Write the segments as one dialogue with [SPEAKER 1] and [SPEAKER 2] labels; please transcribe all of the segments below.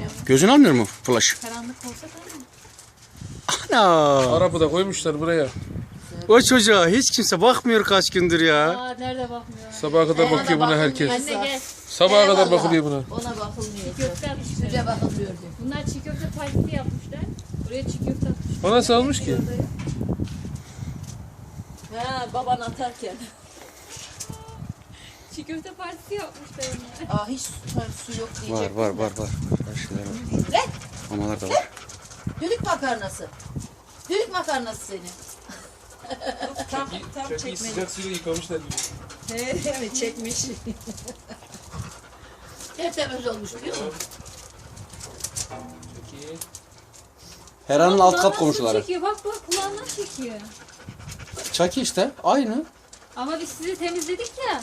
[SPEAKER 1] Gözün almıyor mu flash?
[SPEAKER 2] Karanlık olsa tamam.
[SPEAKER 1] Ana.
[SPEAKER 3] Arabada koymuşlar buraya.
[SPEAKER 1] O çocuğa hiç kimse bakmıyor kaç gündür ya.
[SPEAKER 2] Aa nerede bakmıyor.
[SPEAKER 3] Sabaha kadar bakıyor buna herkes.
[SPEAKER 2] Anne gel.
[SPEAKER 3] Sabaha kadar
[SPEAKER 4] Eyvallah.
[SPEAKER 3] bakılıyor buna.
[SPEAKER 4] Ona bakılmıyor.
[SPEAKER 2] Köfte atmışlar.
[SPEAKER 4] Süte bakılıyor diyor.
[SPEAKER 2] Bunlar çiğ köfte partisi yapmışlar. Buraya çiğ köfte atmışlar.
[SPEAKER 3] O nasıl almış ki?
[SPEAKER 4] Ha baban atarken.
[SPEAKER 2] Çiğ köfte partisi yapmışlar onlar.
[SPEAKER 4] Aa hiç su yok diyecek.
[SPEAKER 1] Var. Her şeyler var.
[SPEAKER 4] Ne?
[SPEAKER 1] Mamalar da var.
[SPEAKER 4] Düdük makarnası. Düdük makarnası senin. tam
[SPEAKER 3] Çok iyi
[SPEAKER 4] çekmeli.
[SPEAKER 3] sıcak suyla yıkamışlar gibi.
[SPEAKER 4] Evet çekmiş. Tertemiz olmuş biliyor musun?
[SPEAKER 3] Çok iyi.
[SPEAKER 1] Heran'ın alt kat
[SPEAKER 2] Kulağından
[SPEAKER 1] komşuları.
[SPEAKER 2] Çekiyor. Bak kulağından çekiyor.
[SPEAKER 1] Çaki işte aynı.
[SPEAKER 2] Ama biz sizi temizledik ya.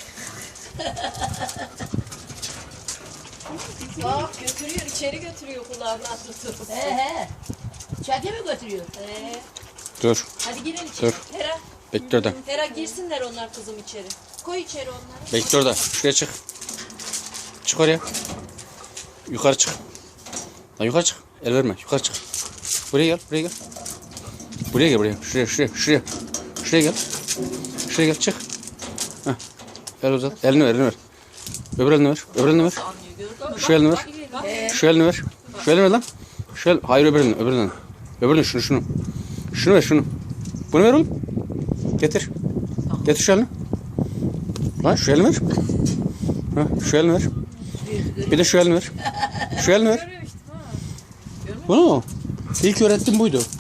[SPEAKER 4] Bak götürüyor içeri götürüyor kulağına tutup. He. Çeke mi götürüyor?
[SPEAKER 1] Dur.
[SPEAKER 4] Hadi girin içeri.
[SPEAKER 1] Dur.
[SPEAKER 4] Hera.
[SPEAKER 1] Bekle orada.
[SPEAKER 4] Hera girsinler onlar kızım içeri. Koy içeri onları.
[SPEAKER 1] Bekle orada. Şuraya çık. Çık oraya. Yukarı çık. Lan yukarı çık. El verme. Yukarı çık. Buraya gel. Buraya gel. Şuraya. Şuraya gel. Şuraya gel. Çık. Heh. El uzat. Elini ver. Öbür elini ver.
[SPEAKER 4] Anlıyor gördün mü?
[SPEAKER 1] Şu elini ver. Şu elini ver. Şu elini ver lan. Hayır öbür elini. Öbür elini şunu. Şunu ver şunu. Bunu ver oğlum. Getir. Getir şu elini. Lan şu elini ver. Şu elini ver. Bir de şu elini ver. Şu elini ver. Bunu mu? İlk öğrettim buydu.